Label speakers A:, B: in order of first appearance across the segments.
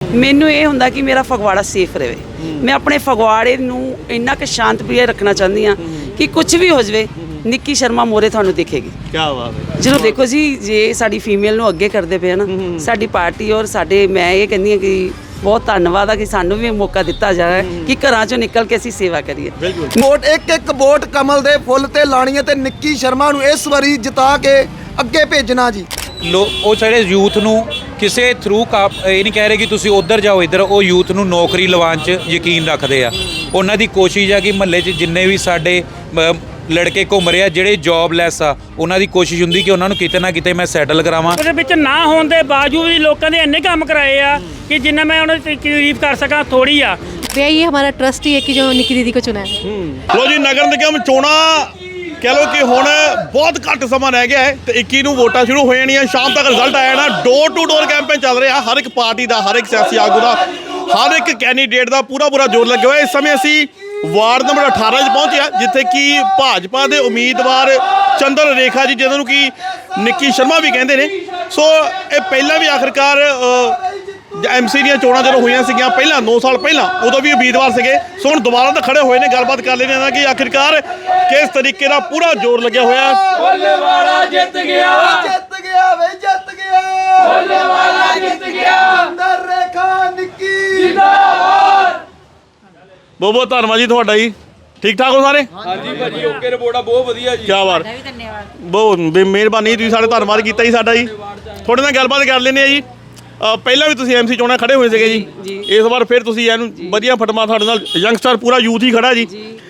A: ਮੈਨੂੰ ਇਹ ਹੁੰਦਾ ਕਿ ਮੇਰਾ ਫਗਵਾੜਾ ਸੇਫ ਰਹੇ। ਮੈਂ ਆਪਣੇ ਫਗਵਾੜੇ ਨੂੰ ਇੰਨਾ ਕਿ ਸ਼ਾਂਤ ਪ੍ਰਿਆ ਰੱਖਣਾ ਚਾਹੁੰਦੀ ਹਾਂ ਕਿ ਕੁਝ ਵੀ ਹੋ ਜਾਵੇ ਨਿੱਕੀ ਸ਼ਰਮਾ ਮੋਰੇ ਤੁਹਾਨੂੰ ਦਿਖੇਗੀ।
B: ਕੀ ਬਾਤ ਹੈ।
A: ਜਦੋਂ ਦੇਖੋ ਜੀ ਜੇ ਸਾਡੀ ਫੀਮੇਲ ਨੂੰ ਅੱਗੇ ਕਰਦੇ ਪਏ ਨਾ ਸਾਡੀ ਪਾਰਟੀ ਔਰ ਸਾਡੇ, ਮੈਂ ਇਹ ਕਹਿੰਦੀ ਹਾਂ ਕਿ ਬਹੁਤ ਧੰਨਵਾਦ ਆ ਕਿ ਸਾਨੂੰ ਵੀ ਮੌਕਾ ਦਿੱਤਾ ਜਾ ਰਿਹਾ ਕਿ ਘਰਾਂ ਚੋਂ ਨਿਕਲ ਕੇ ਅਸੀਂ ਸੇਵਾ ਕਰੀਏ।
C: ਵੋਟ ਇੱਕ ਵੋਟ ਕਮਲ ਦੇ ਫੁੱਲ ਤੇ ਲਾਣੀ ਹੈ ਤੇ ਨਿੱਕੀ ਸ਼ਰਮਾ ਨੂੰ ਇਸ ਵਾਰੀ ਜਿਤਾ ਕੇ ਅੱਗੇ ਭੇਜਣਾ ਜੀ।
D: ਉਹ ਸਾਡੇ ਯੂਥ ਨੂੰ ਕਿਸੇ ਥਰੂ ਇਹ ਨਹੀਂ ਕਹਿ ਰਹੇ ਕਿ ਤੁਸੀਂ ਉੱਧਰ ਜਾਓ ਇੱਧਰ, ਉਹ ਯੂਥ ਨੂੰ ਨੌਕਰੀ ਲਵਾਉਣ 'ਚ ਯਕੀਨ ਰੱਖਦੇ ਆ। ਉਹਨਾਂ ਦੀ ਕੋਸ਼ਿਸ਼ ਆ ਕਿ ਮਹੱਲੇ 'ਚ ਜਿੰਨੇ ਵੀ ਸਾਡੇ ਲੜਕੇ ਘੁੰਮ ਰਹੇ ਆ ਜਿਹੜੇ ਜੌਬਲੈਸ ਆ, ਉਹਨਾਂ ਦੀ ਕੋਸ਼ਿਸ਼ ਹੁੰਦੀ ਕਿ ਉਹਨਾਂ ਨੂੰ ਕਿਤੇ ਨਾ ਕਿਤੇ ਮੈਂ ਸੈਟਲ ਕਰਾਵਾਂ।
E: ਉਹਦੇ ਵਿੱਚ ਨਾ ਹੋਣ ਦੇ ਬਾਵਜੂਦ ਵੀ ਲੋਕਾਂ ਦੇ ਇੰਨੇ ਕੰਮ ਕਰਾਏ ਆ ਕਿ ਜਿੰਨਾ ਮੈਂ ਉਹਨਾਂ ਦੀ ਤਾਰੀਫ ਕਰ ਸਕਾਂ ਥੋੜੀ ਆ।
F: ये हमारा ट्रस्ट ही है कि जो निक्की दीदी को चुना है।
B: ਲੋ ਜੀ, ਨਗਰ ਨਿਗਮ ਚੋਣਾਂ ਕਹਿ ਲਓ ਕਿ ਹੁਣ ਬਹੁਤ ਘੱਟ ਸਮਾਂ ਰਹਿ ਗਿਆ ਹੈ ਤੇ 21 ਨੂੰ ਵੋਟਾਂ ਸ਼ੁਰੂ ਹੋ ਜਾਣੀਆਂ। ਸ਼ਾਮ ਤੱਕ ਰਿਜ਼ਲਟ ਆ ਜਾਣਾ। ਡੋਰ ਟੂ ਡੋਰ ਕੈਂਪੇਨ ਚੱਲ ਰਿਹਾ। ਹਰ ਇੱਕ ਪਾਰਟੀ ਦਾ, ਹਰ ਇੱਕ ਸਿਆਸੀ ਆਗੂ ਦਾ, ਹਰ ਇੱਕ ਕੈਂਡੀਡੇਟ ਦਾ ਪੂਰਾ ਜ਼ੋਰ ਲੱਗਿਆ ਹੋਇਆ। ਇਸ ਸਮੇਂ ਅਸੀਂ ਵਾਰਡ ਨੰਬਰ 18 'ਚ ਪਹੁੰਚੇ ਹਾਂ ਜਿੱਥੇ ਕਿ ਭਾਜਪਾ ਦੇ ਉਮੀਦਵਾਰ ਚੰਦਰ ਰੇਖਾ ਜੀ, ਜਿਹਨਾਂ ਨੂੰ ਕਿ ਨਿੱਕੀ ਸ਼ਰਮਾ ਵੀ ਕਹਿੰਦੇ ਨੇ, ਸੋ ਇਹ ਪਹਿਲਾਂ ਵੀ ਆਖਰਕਾਰ ਐਮਸੀ ਦੀਆਂ ਚੋਣਾਂ ਜਦੋਂ ਹੋਈਆਂ ਸੀਗੀਆਂ ਪਹਿਲਾਂ 9 ਸਾਲ ਪਹਿਲਾਂ, ਉਦੋਂ ਵੀ ਉਮੀਦਵਾਰ ਸੀਗੇ। ਸੋ ਹੁਣ ਦੁਬਾਰਾ ਤਾਂ ਖੜੇ ਹੋਏ ਨੇ। ਗੱਲਬਾਤ ਕਰ ਲੈਂਦੇ ਹਾਂ ਕਿ ਆਖਿਰਕਾਰ ਕਿਸ ਤਰੀਕੇ ਦਾ ਪੂਰਾ ਜ਼ੋਰ ਲੱਗਿਆ ਹੋਇਆ।
G: ਭੋਲੇਵਾਲਾ ਜਿੱਤ ਗਿਆ,
C: ਜਿੱਤ ਗਿਆ ਵੇ ਜਿੱਤ ਗਿਆ,
G: ਭੋਲੇਵਾਲਾ ਜਿੱਤ ਗਿਆ,
C: ਚੰਦਰ ਰੇਖਾ ਨਿੱਕੀ
G: ਜਿੰਦਾਬਾਦ।
B: ਬਹੁਤ ਬਹੁਤ ਧੰਨਵਾਦ ਜੀ ਤੁਹਾਡਾ ਜੀ। ਠੀਕ ਠਾਕ ਹੋ ਸਾਰੇ?
H: ਹਾਂਜੀ ਭਾਜੀ, ਓਕੇ ਰਿਪੋਰਟ ਬਹੁਤ ਵਧੀਆ ਜੀ।
B: ਕੀ ਬਾਤ, ਬਹੁਤ ਮਿਹਰਬਾਨੀ, ਤੁਸੀਂ ਸਾਡੇ ਧੰਨਵਾਦ ਕੀਤਾ ਜੀ ਸਾਡਾ ਜੀ। ਤੁਹਾਡੇ ਨਾਲ ਗੱਲਬਾਤ ਕਰ ਲੈਂਦੇ ਆ ਜੀ। ਪਹਿਲਾਂ ਵੀ ਤੁਸੀਂ ਐਮਸੀ ਚੋਣਾਂ ਖੜੇ ਹੋਏ ਸੀਗੇ ਜੀ, ਇਸ ਵਾਰ ਫਿਰ ਤੁਸੀਂ ਇਹਨੂੰ ਵਧੀਆ ਫਟਮਾ, ਤੁਹਾਡੇ ਨਾਲ ਯੰਗਸਟਰ ਪੂਰਾ ਯੂਥ ਹੀ ਖੜਾ ਜੀ।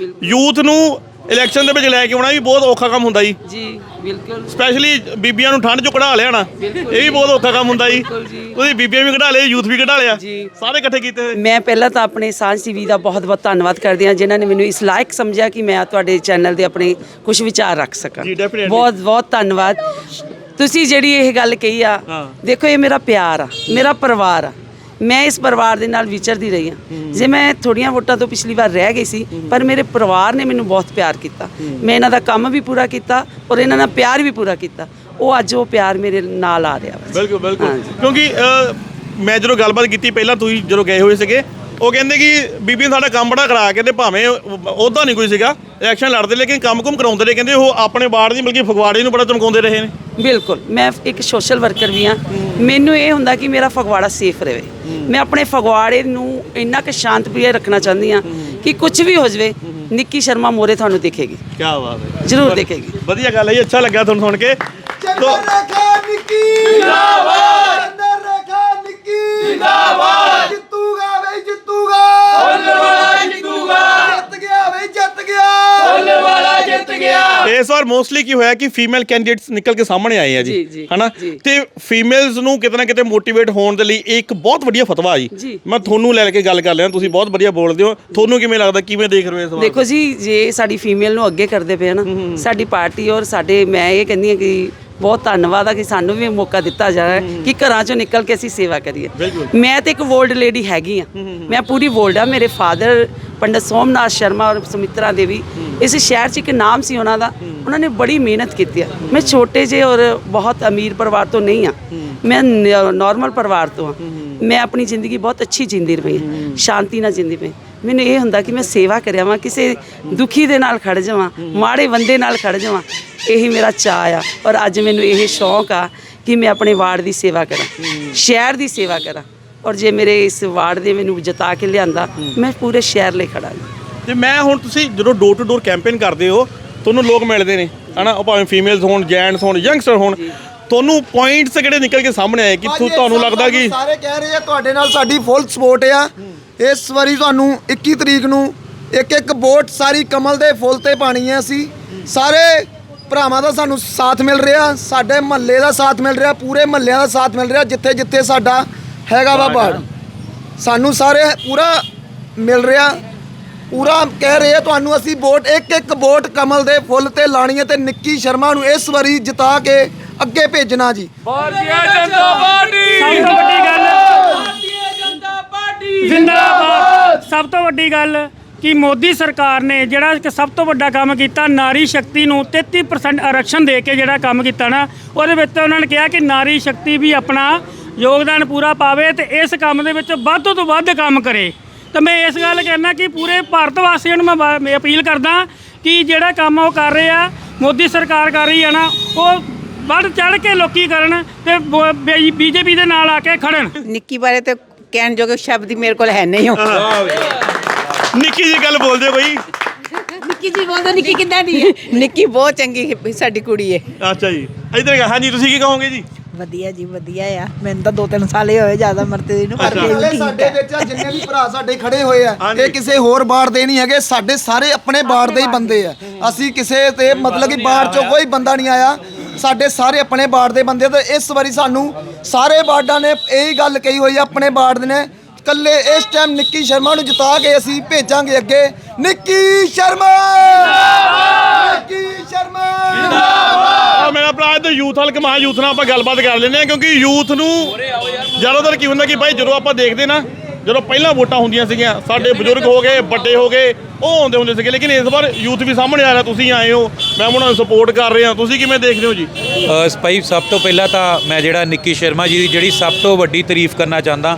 B: ਯੂਥ ਨੂੰ ਇਲੈਕਸ਼ਨ ਦੇ ਵਿੱਚ ਲੈ ਕੇ ਆਉਣਾ ਵੀ ਬਹੁਤ ਔਖਾ ਕੰਮ ਹੁੰਦਾ ਜੀ।
A: ਬਿਲਕੁਲ,
B: ਸਪੈਸ਼ਲੀ ਬੀਬੀਆਂ ਨੂੰ ਠੰਡ 'ਚੋਂ ਕਢਾ ਲਿਆਣਾ, ਇਹ ਵੀ ਬਹੁਤ ਔਖਾ ਕੰਮ ਹੁੰਦਾ ਜੀ। ਤੁਸੀਂ ਬੀਬੀਆਂ ਵੀ ਕਢਾ ਲਿਆ, ਯੂਥ ਵੀ ਕਢਾ ਲਿਆ, ਸਾਰੇ ਇਕੱਠੇ ਕੀਤੇ ਹੋਏ।
A: ਮੈਂ ਪਹਿਲਾਂ ਤਾਂ ਆਪਣੇ ਸਾਂਝ ਟੀਵੀ ਦਾ ਬਹੁਤ ਬਹੁਤ ਧੰਨਵਾਦ ਕਰਦੀ ਹਾਂ ਜਿਨ੍ਹਾਂ ਨੇ ਮੈਨੂੰ ਇਸ ਲਾਇਕ ਸਮਝਿਆ ਕਿ ਮੈਂ ਤੁਹਾਡੇ ਚੈਨਲ ਦੇ ਆਪਣੇ ਕੁਝ ਵਿਚਾਰ ਰੱਖ ਸਕਾਂ। ਬਹੁਤ ਬਹੁਤ ਧੰਨਵਾਦ। ਤੁਸੀਂ ਜਿਹੜੀ ਇਹ ਗੱਲ ਕਹੀ ਆ, ਦੇਖੋ ਇਹ ਮੇਰਾ ਪਿਆਰ ਆ, ਮੇਰਾ ਪਰਿਵਾਰ ਆ। ਮੈਂ ਇਸ ਪਰਿਵਾਰ ਦੇ ਨਾਲ ਵਿਚਰਦੀ ਰਹੀ ਹਾਂ। ਜੇ ਮੈਂ ਥੋੜੀਆਂ ਵੋਟਾਂ ਤੋਂ ਪਿਛਲੀ ਵਾਰ ਰਹਿ ਗਈ ਸੀ, ਪਰ ਮੇਰੇ ਪਰਿਵਾਰ ਨੇ ਮੈਨੂੰ ਬਹੁਤ ਪਿਆਰ ਕੀਤਾ। ਮੈਂ ਇਹਨਾਂ ਦਾ ਕੰਮ ਵੀ ਪੂਰਾ ਕੀਤਾ ਔਰ ਇਹਨਾਂ ਨਾਲ ਪਿਆਰ ਵੀ ਪੂਰਾ ਕੀਤਾ। ਉਹ ਅੱਜ ਉਹ ਪਿਆਰ ਮੇਰੇ ਨਾਲ ਆ ਰਿਹਾ।
B: ਬਿਲਕੁਲ ਬਿਲਕੁਲ, ਕਿਉਂਕਿ ਮੈਂ ਜਦੋਂ ਗੱਲਬਾਤ ਕੀਤੀ ਪਹਿਲਾਂ, ਤੁਸੀਂ ਜਦੋਂ ਗਏ ਹੋਏ ਸੀਗੇ, ਉਹ ਕਹਿੰਦੇ ਕਿ ਬੀਬੀ ਨੇ ਸਾਡਾ ਕੰਮ ਬੜਾ ਕਰਾਇਆ। ਕਹਿੰਦੇ ਭਾਵੇਂ ਉਹਦਾ ਨਹੀਂ ਕੋਈ ਸੀਗਾ, ਇਲੈਕਸ਼ਨ ਲੜਦੇ ਲੇਕਿਨ ਕੰਮ ਕਰਾਉਂਦੇ ਰਹੇ। ਕਹਿੰਦੇ ਉਹ ਆਪਣੇ ਵਾਰਡ ਦੀ ਬਲਕਿ ਫਗਵਾੜੇ ਨੂੰ ਬੜਾ ਚਮਕਾਉਂਦੇ ਰਹੇ ਨੇ।
A: ਬਿਲਕੁਲ, ਮੈਂ ਇੱਕ ਸੋਸ਼ਲ ਵਰਕਰ ਵੀ ਹਾਂ। ਮੈਨੂੰ ਇਹ ਹੁੰਦਾ ਕਿ ਮੇਰਾ ਫਗਵਾੜਾ ਸੇਫ ਰਹੇ। ਮੈਂ ਆਪਣੇ ਫਗਵਾੜੇ ਨੂੰ ਇੰਨਾ ਕਿ ਸ਼ਾਂਤ ਪ੍ਰਿਆ ਰੱਖਣਾ ਚਾਹੁੰਦੀ ਹਾਂ ਕਿ ਕੁਝ ਵੀ ਹੋ ਜਾਵੇ ਨਿੱਕੀ ਸ਼ਰਮਾ ਮੋਰੇ ਤੁਹਾਨੂੰ ਦਿਖੇਗੀ।
B: ਕੀ ਬਾਤ ਹੈ,
A: ਜ਼ਰੂਰ ਦਿਖੇਗੀ।
B: ਵਧੀਆ ਗੱਲ ਹੈ ਜੀ, ਅੱਛਾ ਲੱਗਾ ਤੁਹਾਨੂੰ ਸੁਣ ਕੇ।
C: ਚੰਦਰ ਰੇਖਾ ਨਿੱਕੀ
G: ਜਿੰਦਾਬਾਦ,
C: ਚੰਦਰ ਰੇਖਾ ਨਿੱਕੀ
G: ਜਿੰਦਾਬਾਦ,
C: ਜਿੱਤੂਗਾ ਵੇ ਜਿੱਤੂਗਾ,
G: ਭੋਲੇਵਾਲਾ ਜਿੱਤੂਗਾ,
C: ਜਿੱਤ ਗਿਆ ਵੇ ਜਿੱਤ ਗਿਆ,
G: ਭੋਲੇਵਾਲਾ ਜਿੱਤ ਗਿਆ।
B: ਇਸ ਵਾਰ ਮੋਸਟਲੀ ਕੀ ਹੋਇਆ ਕਿ ਫੀਮੇਲ ਕੈਂਡੀਡੇਟਸ ਨਿਕਲ ਕੇ ਸਾਹਮਣੇ ਆਏ ਆ ਜੀ, ਹਨਾ, ਤੇ ਫੀਮੇਲਸ ਨੂੰ ਕਿਤੇ ਨਾ ਕਿਤੇ ਮੋਟੀਵੇਟ ਹੋਣ ਦੇ ਲਈ ਇੱਕ ਬਹੁਤ ਵਧੀਆ ਫਤਵਾ ਜੀ। ਮੈਂ ਤੁਹਾਨੂੰ ਲੈ ਕੇ ਗੱਲ ਕਰ ਲਿਆ, ਤੁਸੀਂ ਬਹੁਤ ਵਧੀਆ ਬੋਲਦੇ ਹੋ। ਤੁਹਾਨੂੰ ਕਿਵੇਂ ਲੱਗਦਾ, ਕਿਵੇਂ ਦੇਖ ਰਹੇ ਹੋ ਇਸ ਵਾਰ?
A: ਦੇਖੋ ਜੀ, ਜੇ ਸਾਡੀ ਫੀਮੇਲ ਨੂੰ ਅੱਗੇ ਕਰਦੇ ਪਏ ਨਾ ਸਾਡੀ ਪਾਰਟੀ ਔਰ ਸਾਡੇ, ਮੈਂ ਇਹ ਕਹਿੰਦੀ ਹਾਂ ਕਿ ਬਹੁਤ ਧੰਨਵਾਦ ਆ ਕਿ ਸਾਨੂੰ ਵੀ ਮੌਕਾ ਦਿੱਤਾ ਜਾ ਰਿਹਾ ਕਿ ਘਰਾਂ ਚੋਂ ਨਿਕਲ ਕੇ ਅਸੀਂ ਸੇਵਾ ਕਰੀਏ। ਮੈਂ ਤੇ ਇੱਕ ਵੋਲਡ ਲੇਡੀ ਹੈਗੀ ਆ, ਮੈਂ ਪੂਰੀ ਵੋਲਡ ਆ। ਮੇਰੇ ਫਾਦਰ ਪੰਡਤ ਸੋਮਨਾਥ ਸ਼ਰਮਾ ਔਰ ਸੁਮਿਤਰਾ ਦੇਵੀ, ਇਸ ਸ਼ਹਿਰ 'ਚ ਇੱਕ ਨਾਮ ਸੀ ਉਹਨਾਂ ਦਾ। ਉਹਨਾਂ ਨੇ ਬੜੀ ਮਿਹਨਤ ਕੀਤੀ ਆ। ਮੈਂ ਛੋਟੇ ਜਿਹੇ ਔਰ ਬਹੁਤ ਅਮੀਰ ਪਰਿਵਾਰ ਤੋਂ ਨਹੀਂ ਆ, ਮੈਂ ਨੋਰਮਲ ਪਰਿਵਾਰ ਤੋਂ ਆ। ਮੈਂ ਆਪਣੀ ਜ਼ਿੰਦਗੀ ਬਹੁਤ ਅੱਛੀ ਜਿੰਦੀ ਰਹੀ, ਸ਼ਾਂਤੀ ਨਾਲ ਜਿੰਦੀ ਪਈ। ਮੈਨੂੰ ਇਹ ਹੁੰਦਾ ਕਿ ਮੈਂ ਸੇਵਾ ਕਰਿਆ ਵਾਂ, ਕਿਸੇ ਦੁਖੀ ਦੇ ਨਾਲ ਖੜ ਜਾਵਾਂ, ਮਾੜੇ ਬੰਦੇ ਨਾਲ ਖੜ ਜਾਵਾਂ। ਇਹੀ ਮੇਰਾ ਚਾਅ ਆ ਔਰ ਅੱਜ ਮੈਨੂੰ ਇਹ ਸ਼ੌਂਕ ਆ ਕਿ ਮੈਂ ਆਪਣੇ ਵਾਰਡ ਦੀ ਸੇਵਾ ਕਰਾਂ, ਸ਼ਹਿਰ ਦੀ ਸੇਵਾ ਕਰਾਂ। ਔਰ ਜੇ ਮੇਰੇ ਇਸ ਵਾਰਡ ਦੇ ਮੈਨੂੰ ਜਿਤਾ ਕੇ ਲਿਆਂਦਾ, ਮੈਂ ਪੂਰੇ ਸ਼ਹਿਰ ਲਈ ਖੜਾਂਗੀ।
B: ਤੇ ਮੈਂ ਹੁਣ, ਤੁਸੀਂ ਜਦੋਂ ਡੋਰ ਟੂ ਡੋਰ ਕੈਂਪੇਨ ਕਰਦੇ ਹੋ, ਤੁਹਾਨੂੰ ਲੋਕ ਮਿਲਦੇ ਨੇ, ਹਨਾ, ਉਹ ਭਾਵੇਂ ਫੀਮੇਲਸ ਹੋਣ, ਜੈਂਟਸ ਹੋਣ, ਯੰਗਸਟਰ ਹੋਣ, ਤੁਹਾਨੂੰ ਪੁਆਇੰਟਸ ਕਿਹੜੇ ਨਿਕਲ ਕੇ ਸਾਹਮਣੇ ਆਏ ਕਿ ਤੁਹਾਨੂੰ ਲੱਗਦਾ ਕਿ
C: ਸਾਰੇ ਕਹਿ ਰਹੇ ਆ ਤੁਹਾਡੇ ਨਾਲ ਸਾਡੀ ਫੁੱਲ ਸਪੋਰਟ ਆ। ਇਸ ਵਾਰੀ ਤੁਹਾਨੂੰ 21 ਤਰੀਕ ਨੂੰ ਇੱਕ ਵੋਟ ਸਾਰੀ ਕਮਲ ਦੇ ਫੁੱਲ ਤੇ ਪਾਣੀ ਹੈ। ਅਸੀਂ ਸਾਰੇ ਭਰਾਵਾਂ ਦਾ ਸਾਨੂੰ ਸਾਥ ਮਿਲ ਰਿਹਾ, ਸਾਡੇ ਮਹੱਲੇ ਦਾ ਸਾਥ ਮਿਲ ਰਿਹਾ, ਪੂਰੇ ਮਹੱਲਿਆਂ ਦਾ ਸਾਥ ਮਿਲ ਰਿਹਾ। ਜਿੱਥੇ ਜਿੱਥੇ ਸਾਡਾ ਹੈਗਾ ਵਾ ਵਾਰਡ, ਸਾਨੂੰ ਸਾਰੇ ਪੂਰਾ ਮਿਲ ਰਿਹਾ। ਪੂਰਾ ਕਹਿ ਰਹੇ ਆ ਤੁਹਾਨੂੰ ਅਸੀਂ ਵੋਟ ਇੱਕ ਵੋਟ ਕਮਲ ਦੇ ਫੁੱਲ ਤੇ ਲਾਣੀ ਹੈ ਤੇ ਨਿੱਕੀ ਸ਼ਰਮਾ ਨੂੰ ਇਸ ਵਾਰੀ ਜਿਤਾ ਕੇ ਅੱਗੇ ਭੇਜਣਾ ਜੀ।
G: ਭਾਰਤੀ ਜਨਤਾ ਪਾਰਟੀ,
E: ਸਭ ਤੋਂ ਵੱਡੀ ਗੱਲ,
G: ਭਾਰਤੀ ਜਨਤਾ ਪਾਰਟੀ
E: ਜ਼ਿੰਦਾਬਾਦ। ਸਭ ਤੋਂ ਵੱਡੀ ਗੱਲ ਕਿ ਮੋਦੀ ਸਰਕਾਰ ਨੇ ਜਿਹੜਾ ਇੱਕ ਸਭ ਤੋਂ ਵੱਡਾ ਕੰਮ ਕੀਤਾ, ਨਾਰੀ ਸ਼ਕਤੀ ਨੂੰ 33% ਆਰਕਸ਼ਣ ਦੇ ਕੇ ਜਿਹੜਾ ਕੰਮ ਕੀਤਾ ਨਾ, ਉਹਦੇ ਵਿੱਚ ਉਹਨਾਂ ਨੇ ਕਿਹਾ ਕਿ ਨਾਰੀ ਸ਼ਕਤੀ ਵੀ ਆਪਣਾ ਯੋਗਦਾਨ ਪੂਰਾ ਪਾਵੇ ਤੇ ਇਸ ਕੰਮ ਦੇ ਵਿੱਚ ਵੱਧ ਤੋਂ ਵੱਧ ਕੰਮ ਕਰੇ। ਤੇ ਮੈਂ ਇਸ ਗੱਲ ਕਹਿਣਾ ਕਿ ਪੂਰੇ ਭਾਰਤ ਵਾਸੀਆਂ ਨੂੰ ਮੈਂ ਅਪੀਲ ਕਰਦਾ ਕਿ ਜਿਹੜਾ ਕੰਮ ਉਹ ਕਰ ਰਹੇ ਆ, ਮੋਦੀ ਸਰਕਾਰ ਕਰ ਰਹੀ ਆ ਨਾ, ਉਹ ਵੱਧ ਚੜ ਕੇ ਲੋਕੀ ਕਰਨ ਤੇ ਬੀਜੇਪੀ ਦੇ ਨਾਲ ਆ ਕੇ ਖੜਨ।
I: ਨਿੱਕੀ ਬਾਰੇ ਤੇ ਕਹਿਣ ਜੋਗੇ ਸ਼ਬਦ ਹੀ ਮੇਰੇ ਕੋਲ ਹੈ ਨਹੀਂ।
B: ਨਿੱਕੀ ਜੀ ਗੱਲ ਬੋਲਦੇ ਹੋ ਕੋਈ?
I: ਨਿੱਕੀ ਜੀ ਬੋਲਦੇ, ਨਿੱਕੀ ਕਿੱਦਾਂ ਦੀ ਹੈ? ਨਿੱਕੀ ਬਹੁਤ ਚੰਗੀ ਸਾਡੀ ਕੁੜੀ ਹੈ।
B: ਅੱਛਾ ਜੀ, ਇੱਧਰ ਹਾਂਜੀ ਤੁਸੀਂ ਕੀ ਕਹੋਗੇ ਜੀ?
I: ਵਧੀਆ ਜੀ, ਵਧੀਆ ਆ। ਮੈਨੂੰ ਤਾਂ 2-3 ਸਾਲ ਹੀ ਹੋਏ ਜ਼ਿਆਦਾ ਮਰਤੇ ਨੂੰ, ਪਰ ਫਿਰ ਵੀ ਠੀਕ
C: ਸਾਡੇ
I: ਹੈ।
C: ਵਿੱਚ ਜਿੰਨੇ ਵੀ ਭਰਾ ਸਾਡੇ ਖੜੇ ਹੋਏ ਆ, ਇਹ ਕਿਸੇ ਹੋਰ ਬਾੜ ਦੇ ਨਹੀਂ ਹੈਗੇ, ਸਾਡੇ ਸਾਰੇ ਆਪਣੇ ਬਾੜ ਦੇ ਹੀ ਬੰਦੇ ਆ। ਅਸੀਂ ਕਿਸੇ ਤੇ ਮਤਲਬ ਕਿ ਬਾੜ ਚੋਂ ਕੋਈ ਬੰਦਾ ਨਹੀਂ ਆਇਆ, ਸਾਡੇ ਸਾਰੇ ਆਪਣੇ ਬਾੜ ਦੇ ਬੰਦੇ। ਤੇ ਇਸ ਵਾਰੀ ਸਾਨੂੰ ਸਾਰੇ ਬਾੜਾਂ ਨੇ ਇਹੀ ਗੱਲ ਕਹੀ ਹੋਈ ਆ, ਆਪਣੇ ਬਾੜ ਦੇ ਨੇ ਕੱਲੇ ਇਸ ਟਾਈਮ ਨਿੱਕੀ ਸ਼ਰਮਾ ਨੂੰ ਜਿਤਾ ਕੇ ਅਸੀਂ ਭੇਜਾਂਗੇ ਅੱਗੇ। ਨਿੱਕੀ ਸ਼ਰਮਾ ਨਿੱਕੀ ਸ਼ਰਮਾ
B: ਆ ਮੇਰਾ ਭਰਾ ਤੇ ਯੂਥ ਹਲਕ ਮਹਾ ਯੂਥ ਨਾਲ ਆਪਾਂ ਗੱਲਬਾਤ ਕਰ ਲੈਂਦੇ ਆ, ਕਿਉਂਕਿ ਯੂਥ ਨੂੰ ਜ਼ਿਆਦਾਤਰ ਕੀ ਹੁੰਦਾ ਕਿ ਭਾਈ ਜਦੋਂ ਆਪਾਂ ਦੇਖਦੇ ਨਾ, ਜਦੋਂ ਪਹਿਲਾਂ ਵੋਟਾਂ ਹੁੰਦੀਆਂ ਸੀਗੀਆਂ, ਸਾਡੇ ਬਜ਼ੁਰਗ ਹੋ ਗਏ, ਵੱਡੇ ਹੋ ਗਏ, ਉਹ ਆਉਂਦੇ ਹੁੰਦੇ ਸੀਗੇ, ਲੇਕਿਨ ਇਸ ਵਾਰ ਯੂਥ ਵੀ ਸਾਹਮਣੇ ਆ ਰਿਹਾ। ਤੁਸੀਂ ਆਏ ਹੋ, ਮੈਂ ਉਹਨਾਂ ਨੂੰ ਸਪੋਰਟ ਕਰ ਰਿਹਾ, ਤੁਸੀਂ ਕਿਵੇਂ ਦੇਖਦੇ ਹੋ ਜੀ?
D: ਭਾਈ ਸਭ ਤੋਂ ਪਹਿਲਾਂ ਤਾਂ ਮੈਂ ਜਿਹੜਾ ਨਿੱਕੀ ਸ਼ਰਮਾ ਜੀ ਦੀ ਜਿਹੜੀ ਸਭ ਤੋਂ ਵੱਡੀ ਤਾਰੀਫ ਕਰਨਾ ਚਾਹੁੰਦਾ,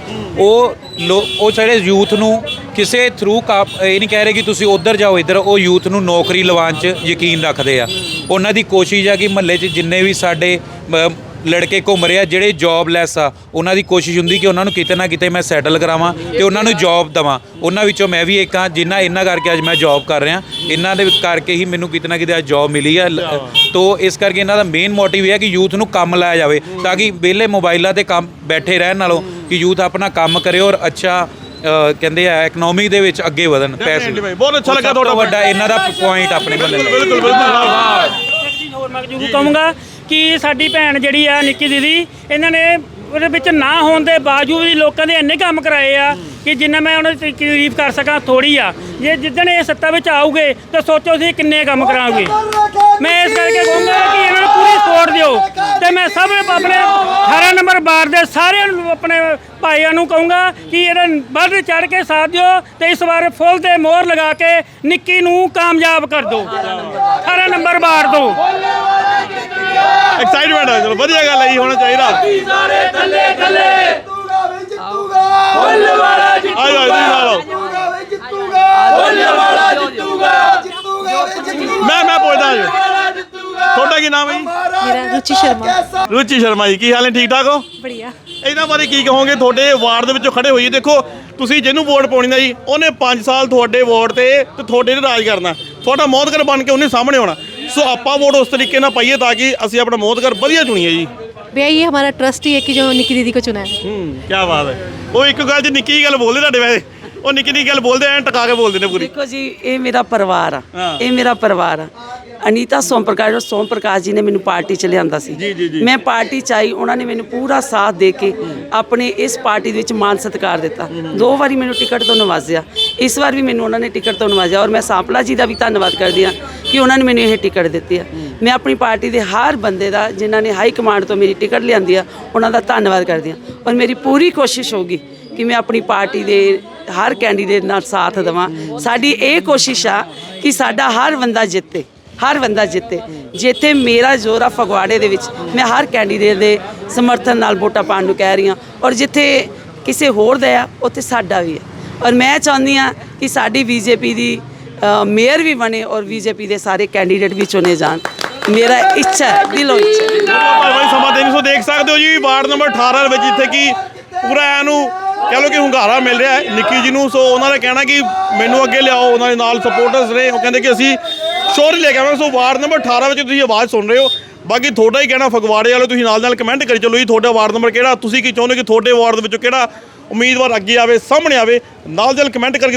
D: ਉਹ ਸਾਡੇ ਯੂਥ ਨੂੰ ਕਿਸੇ ਥਰੂ ਇਹ ਨਹੀਂ ਕਹਿ ਰਹੇ ਕਿ ਤੁਸੀਂ ਉੱਧਰ ਜਾਓ ਇੱਧਰ, ਉਹ ਯੂਥ ਨੂੰ ਨੌਕਰੀ ਲਵਾਉਣ 'ਚ ਯਕੀਨ ਰੱਖਦੇ ਆ। ਉਹਨਾਂ ਦੀ ਕੋਸ਼ਿਸ਼ ਆ ਕਿ ਮਹੱਲੇ 'ਚ ਜਿੰਨੇ ਵੀ ਸਾਡੇ ਲੜਕੇ ਘੁੰਮ ਰਹੇ ਆ ਜਿਹੜੇ ਜੌਬਲੈਸ ਆ, ਉਹਨਾਂ ਦੀ ਕੋਸ਼ਿਸ਼ ਹੁੰਦੀ ਕਿ ਉਹਨਾਂ ਨੂੰ ਕਿਤੇ ਨਾ ਕਿਤੇ ਮੈਂ ਸੈਟਲ ਕਰਾਵਾਂ ਤੇ ਉਹਨਾਂ ਨੂੰ ਜੌਬ ਦੇਵਾਂ। ਉਹਨਾਂ ਵਿੱਚੋਂ ਮੈਂ ਵੀ ਇੱਕ ਹਾਂ ਜਿਨ੍ਹਾਂ ਇਹਨਾਂ ਕਰਕੇ ਅੱਜ ਮੈਂ ਜੌਬ ਕਰ ਰਿਹਾ। ਇਹਨਾਂ ਦੇ ਕਰਕੇ ਹੀ ਮੈਨੂੰ ਕਿਤੇ ਨਾ ਕਿਤੇ ਅੱਜ ਜੌਬ ਮਿਲੀ ਆ। ਤੋ ਇਸ ਕਰਕੇ ਇਹਨਾਂ ਦਾ ਮੇਨ ਮੋਟਿਵ ਇਹ ਹੈ ਕਿ ਯੂਥ ਨੂੰ ਕੰਮ ਲਾਇਆ ਜਾਵੇ, ਤਾਂ ਕਿ ਵਿਹਲੇ ਮੋਬਾਈਲਾਂ 'ਤੇ ਕੰਮ ਬੈਠੇ ਰਹਿਣ ਨਾਲੋਂ ਕਿ ਯੂਥ ਆਪਣਾ ਕੰਮ ਕਰੇ ਔਰ ਅੱਛਾ ਕਹਿੰਦੇ ਆ ਇਕਨੋਮੀ ਦੇ ਵਿੱਚ ਅੱਗੇ ਵਧਣ। ਪੈਸੇ
B: ਬਹੁਤ ਅੱਛਾ ਲੱਗਾ ਤੁਹਾਡਾ
D: ਵੱਡਾ ਇਹਨਾਂ ਦਾ ਪੁਆਇੰਟ ਆਪਣੇ ਮਹੱਲੇ ਦਾ।
B: ਬਿਲਕੁਲ
E: ਹੋਰ ਮੈਂ ਜ਼ਰੂਰ ਕਹੂੰਗਾ ਕਿ ਸਾਡੀ ਭੈਣ ਜਿਹੜੀ ਆ ਨਿੱਕੀ ਦੀਦੀ, ਇਹਨਾਂ ਨੇ ਉਹਦੇ ਵਿੱਚ ਨਾ ਹੋਣ ਦੇ ਬਾਵਜੂਦ ਵੀ ਲੋਕਾਂ ਦੇ ਇੰਨੇ ਕੰਮ ਕਰਾਏ ਆ ਕਿ ਜਿੰਨਾ ਮੈਂ ਉਹਨਾਂ ਦੀ ਤਾਰੀਫ ਕਰ ਸਕਾਂ ਥੋੜੀ ਆ। ਜੇ ਜਿੱਦਣ ਇਹ ਸੱਤਾ ਵਿੱਚ ਆਉਗੇ ਤਾਂ ਸੋਚੋ ਤੁਸੀਂ ਕਿੰਨੇ ਕੰਮ ਕਰਾਓਗੇ। ਮੈਂ ਇਸ ਕਰਕੇ ਕਹੂੰਗਾ ਕਿ ਇਹਨਾਂ ਨੂੰ ਪੂਰੀ ਸਪੋਰਟ ਦਿਓ ਤੇ ਮੈਂ ਸਭ ਆਪਣੇ 18 ਨੰਬਰ ਵਾਰਡ ਦੇ ਸਾਰਿਆਂ ਨੂੰ ਆਪਣੇ ਭਾਈਆਂ ਨੂੰ ਕਹੂੰਗਾ ਕਿ ਇਹਦਾ ਵੱਧ ਚੜ ਕੇ ਸਾਥ ਦਿਓ ਤੇ ਇਸ ਵਾਰ ਫੁੱਲ ਤੇ ਮੋਹਰ ਲਗਾ ਕੇ ਨਿੱਕੀ ਨੂੰ ਕਾਮਯਾਬ ਕਰ ਦਿਓ 18 ਨੰਬਰ ਵਾਰਡ ਤੋਂ।
B: ਐਕਸਾਈਟਮੈਂਟ ਹੈ, ਚਲੋ ਵਧੀਆ ਗੱਲ ਹੈ ਜੀ, ਹੋਣਾ ਚਾਹੀਦਾ।
G: ਸਾਰੇ ਥੱਲੇ ਥੱਲੇ
C: ਜਿੱਤੂਗਾ
G: ਫੁੱਲ ਵਾਲਾ ਜਿੱਤੂਗਾ,
B: ਆਜੋ ਜੀ ਨਾਲ
G: ਫੁੱਲ ਵਾਲਾ ਜਿੱਤੂਗਾ,
B: ਮੈਂ ਪੁੱਛਦਾ ਜੀ,
G: ਵਾਲਾ ਜਿੱਤੂਗਾ।
B: ਤੁਹਾਡਾ ਕੀ ਨਾਮ ਹੈ ਜੀ?
F: मेरा रुचि शर्मा।
B: ਰੁਚੀ ਸ਼ਰਮਾ ਜੀ, ਕੀ ਹਾਲ ਹੈ? ਠੀਕ ਠਾਕ ਹੋ?
F: बढ़िया।
B: ਇਹਨਾਂ ਬਾਰੇ ਕੀ ਕਹੋਗੇ? ਤੁਹਾਡੇ ਵਾਰਡ ਦੇ ਵਿੱਚੋਂ ਖੜੇ ਹੋਈਏ, ਦੇਖੋ ਤੁਸੀਂ ਜਿਹਨੂੰ ਵੋਟ ਪਾਉਣੀ ਨਾ ਜੀ, ਉਹਨੇ 5 ਸਾਲ ਤੁਹਾਡੇ ਵੋਟ ਤੇ ਤੁਹਾਡੇ ਤੇ ਰਾਜ ਕਰਨਾ, ਤੁਹਾਡਾ ਮੋਹਤਗਰ ਬਣ ਕੇ ਉਹਨੇ ਸਾਹਮਣੇ ਆਉਣਾ। ਸੋ ਆਪਾਂ ਵੋਟ ਉਸ ਤਰੀਕੇ ਨਾਲ ਪਾਈਏ ਤਾਂ ਕਿ ਅਸੀਂ ਆਪਣਾ ਮੋਹਤਗਰ ਵਧੀਆ ਚੁਣੀਏ ਜੀ।
F: भैया ये हमारा ट्रस्ट ही है कि जो निकी दीदी को चुना है।
B: ਕੀ ਬਾਤ ਹੈ। ਉਹ ਇੱਕ ਗੱਲ 'ਚ ਨਿੱਕੀ ਜਿਹੀ ਗੱਲ ਬੋਲਦੇ ਤੁਹਾਡੇ ਵੈਸੇ, ਉਹ ਨਿੱਕੀ ਨਿੱਕੀ ਗੱਲ ਬੋਲਦੇ ਐਂ ਟਕਾ ਕੇ ਬੋਲਦੇ ਨੇ ਪੂਰੀ।
A: ਦੇਖੋ ਜੀ, ਇਹ ਮੇਰਾ ਪਰਿਵਾਰ ਆ,
B: ਹਾਂ।
A: ਇਹ ਮੇਰਾ ਪਰਿਵਾਰ ਆ। ਅਨੀਤਾ ਸੋਮ ਪ੍ਰਕਾਸ਼ ਜੀ ਨੇ ਮੈਨੂੰ ਪਾਰਟੀ ਚ ਲਿਆਂਦਾ ਸੀ। ਮੈਂ ਪਾਰਟੀ ਚ ਆਈ, ਉਹਨਾਂ ਨੇ ਮੈਨੂੰ ਪੂਰਾ ਸਾਥ ਦੇ ਕੇ ਆਪਣੇ ਇਸ ਪਾਰਟੀ ਦੇ ਵਿੱਚ ਮਾਨ ਸਤਿਕਾਰ ਦਿੱਤਾ। 2 ਵਾਰੀ ਮੈਨੂੰ ਟਿਕਟ ਤੋਂ ਨਵਾਜ਼ਿਆ, ਇਸ ਵਾਰ ਵੀ ਮੈਨੂੰ ਉਹਨਾਂ ਨੇ ਟਿਕਟ ਤੋਂ ਨਵਾਜ਼ਿਆ। ਔਰ ਮੈਂ ਸਾਂਪਲਾ ਜੀ ਦਾ ਵੀ ਧੰਨਵਾਦ ਕਰਦੀ ਹਾਂ ਕਿ ਉਹਨਾਂ ਨੇ ਮੈਨੂੰ ਇਹ ਟਿਕਟ ਦਿੱਤੀ ਆ। ਮੈਂ ਆਪਣੀ ਪਾਰਟੀ ਦੇ ਹਰ ਬੰਦੇ ਦਾ, ਜਿਨ੍ਹਾਂ ਨੇ ਹਾਈ ਕਮਾਂਡ ਤੋਂ ਮੇਰੀ ਟਿਕਟ ਲਿਆਂਦੀ ਆ, ਉਹਨਾਂ ਦਾ ਧੰਨਵਾਦ ਕਰਦੀ ਹਾਂ। ਔਰ ਮੇਰੀ ਪੂਰੀ ਕੋਸ਼ਿਸ਼ ਹੋਊਗੀ ਕਿ ਮੈਂ ਆਪਣੀ ਪਾਰਟੀ ਦੇ ਹਰ ਕੈਂਡੀਡੇਟ ਨਾਲ ਸਾਥ ਦੇਵਾਂ। ਸਾਡੀ ਇਹ ਕੋਸ਼ਿਸ਼ ਆ ਕਿ ਸਾਡਾ ਹਰ ਬੰਦਾ ਜਿੱਤੇ, ਹਰ ਬੰਦਾ ਜਿੱਤੇ। ਜਿੱਥੇ ਮੇਰਾ ਜ਼ੋਰ ਆ ਫਗਵਾੜੇ ਦੇ ਵਿੱਚ, ਮੈਂ ਹਰ ਕੈਂਡੀਡੇਟ ਦੇ ਸਮਰਥਨ ਨਾਲ ਵੋਟਾਂ ਪਾਉਣ ਨੂੰ ਕਹਿ ਰਹੀ ਹਾਂ। ਔਰ ਜਿੱਥੇ ਕਿਸੇ ਹੋਰ ਦਾ ਆ, ਉੱਥੇ ਸਾਡਾ ਵੀ ਹੈ। ਔਰ ਮੈਂ ਚਾਹੁੰਦੀ ਹਾਂ ਕਿ ਸਾਡੀ ਬੀਜੇਪੀ ਦੀ ਮੇਅਰ ਵੀ ਬਣੇ ਔਰ ਬੀਜੇਪੀ ਦੇ ਸਾਰੇ ਕੈਂਡੀਡੇਟ ਵੀ ਚੁਣੇ ਜਾਣ। ਮੇਰਾ ਇੱਛਾ ਹੈ, ਦਿਲੋਂ ਇੱਛਾ ਹੈ।
B: ਭਾਈ ਸਮਾਂ 300 ਦੇਖ ਸਕਦੇ ਹੋ ਜੀ, ਵਾਰਡ ਨੰਬਰ 18 ਵਿੱਚ ਜਿੱਥੇ ਕਿ ਪੂਰਾ ਇਹਨੂੰ ਕਹਿ ਲਓ ਕਿ ਹੁੰਗਾਰਾ ਮਿਲ ਰਿਹਾ ਹੈ ਨਿੱਕੀ ਜੀ ਨੂੰ। ਸੋ ਉਹਨਾਂ ਨੇ ਕਹਿਣਾ ਕਿ ਮੈਨੂੰ ਅੱਗੇ ਲਿਆਓ, ਉਹਨਾਂ ਦੇ ਨਾਲ ਸਪੋਰਟਰਸ ਰਹੇ, ਉਹ ਕਹਿੰਦੇ ਕਿ ਅਸੀਂ ਸ਼ੋਰ ਲੈ ਕੇ ਆਵਾਂਗੇ। ਸੋ ਵਾਰਡ ਨੰਬਰ 18 ਵਿੱਚ ਤੁਸੀਂ ਆਵਾਜ਼ ਸੁਣ ਰਹੇ ਹੋ। ਬਾਕੀ ਤੁਹਾਡਾ ਹੀ ਕਹਿਣਾ ਫਗਵਾੜੇ ਵਾਲੇ, ਤੁਸੀਂ ਨਾਲ ਕਮੈਂਟ ਕਰੀ ਚੱਲੋ ਜੀ, ਤੁਹਾਡਾ ਵਾਰਡ ਨੰਬਰ ਕਿਹੜਾ, ਤੁਸੀਂ ਕੀ ਚਾਹੁੰਦੇ ਕਿ ਤੁਹਾਡੇ ਵਾਰਡ ਦੇ ਵਿੱਚੋਂ ਕਿਹੜਾ ਉਮੀਦਵਾਰ ਅੱਗੇ ਆਵੇ, ਸਾਹਮਣੇ ਆਵੇ, ਨਾਲ ਕਮੈਂਟ ਕਰਕੇ